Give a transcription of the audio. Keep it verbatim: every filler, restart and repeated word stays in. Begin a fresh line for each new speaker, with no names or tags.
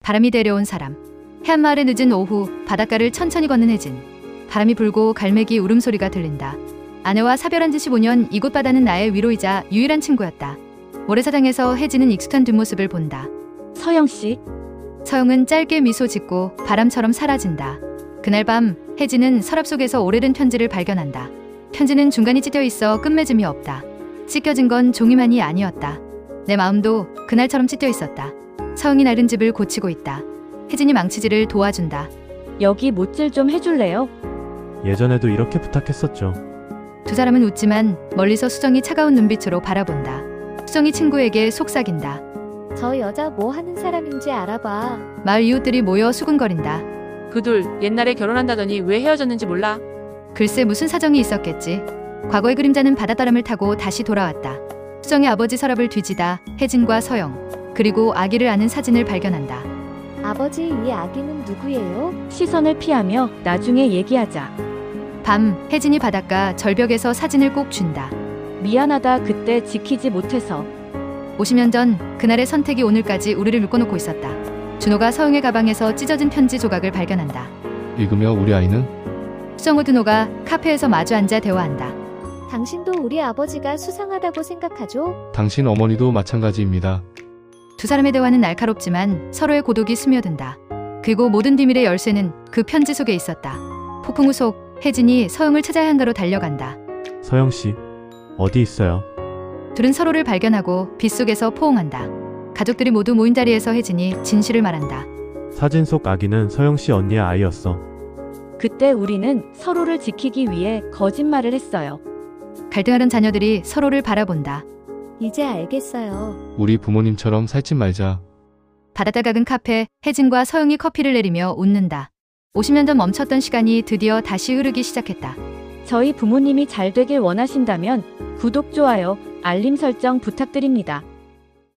바람이 데려온 사람. 해안마을의 늦은 오후 바닷가를 천천히 걷는 혜진. 바람이 불고 갈매기 울음소리가 들린다. 아내와 사별한 지 십오 년 이곳 바다는 나의 위로이자 유일한 친구였다. 모래사장에서 혜진은 익숙한 뒷모습을 본다.
서영씨.
서영은 짧게 미소 짓고 바람처럼 사라진다. 그날 밤 혜진은 서랍 속에서 오래된 편지를 발견한다. 편지는 중간이 찢겨 있어 끝맺음이 없다. 찢겨진 건 종이만이 아니었다. 내 마음도 그날처럼 찢겨 있었다. 서영이 낡은 집을 고치고 있다. 혜진이 망치질을 도와준다.
여기 못질 좀 해줄래요?
예전에도 이렇게 부탁했었죠.
두 사람은 웃지만 멀리서 수정이 차가운 눈빛으로 바라본다. 수정이 친구에게 속삭인다.
저 여자 뭐 하는 사람인지 알아봐.
마을 이웃들이 모여 수군거린다.
그 둘 옛날에 결혼한다더니 왜 헤어졌는지 몰라?
글쎄 무슨 사정이 있었겠지. 과거의 그림자는 바닷바람을 타고 다시 돌아왔다. 수정의 아버지 서랍을 뒤지다 혜진과 서영 그리고 아기를 안은 사진을 발견한다.
아버지, 이 아기는 누구예요?
시선을 피하며 나중에 얘기하자.
밤 혜진이 바닷가 절벽에서 사진을 꼭 쥔다.
미안하다, 그때 지키지 못해서.
오십 년 전 그날의 선택이 오늘까지 우리를 묶어놓고 있었다. 준호가 서영의 가방에서 찢어진 편지 조각을 발견한다.
읽으며 우리 아이는?
수정호 준호가 카페에서 마주 앉아 대화한다.
당신도 우리 아버지가 수상하다고 생각하죠?
당신 어머니도 마찬가지입니다.
두 사람의 대화는 날카롭지만 서로의 고독이 스며든다. 그리고 모든 비밀의 열쇠는 그 편지 속에 있었다. 폭풍 후 속 혜진이 서영을 찾아야 한가로 달려간다.
서영씨, 어디 있어요?
둘은 서로를 발견하고 빗속에서 포옹한다. 가족들이 모두 모인 자리에서 혜진이 진실을 말한다.
사진 속 아기는 서영씨 언니의 아이였어.
그때 우리는 서로를 지키기 위해 거짓말을 했어요.
갈등하는 자녀들이 서로를 바라본다.
이제 알겠어요.
우리 부모님처럼 살찐 말자.
바닷가 각은 카페 혜진과 서영이 커피를 내리며 웃는다. 오십 년 전 멈췄던 시간이 드디어 다시 흐르기 시작했다.
저희 부모님이 잘 되길 원하신다면 구독, 좋아요, 알림 설정 부탁드립니다.